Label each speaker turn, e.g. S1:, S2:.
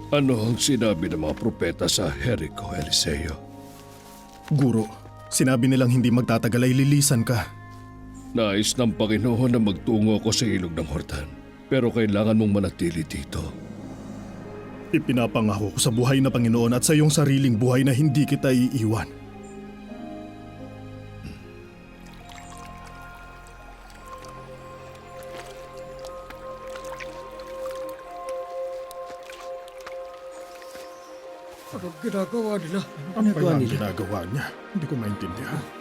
S1: Ano ang sinabi ng mga propeta sa Jericho, Eliseo?
S2: Guro, sinabi nilang hindi magtatagal ay lilisan ka.
S1: Nais ng Panginoon na magtungo ako sa ilog ng Hordan, pero kailangan mong manatili dito.
S2: Ipinapangako ko sa buhay na Panginoon at sa iyong sariling buhay na hindi kita iiwan.
S3: Anong ginagawa nila?
S2: Ano kaya ang ginagawa niya? Hindi ko maintindihan.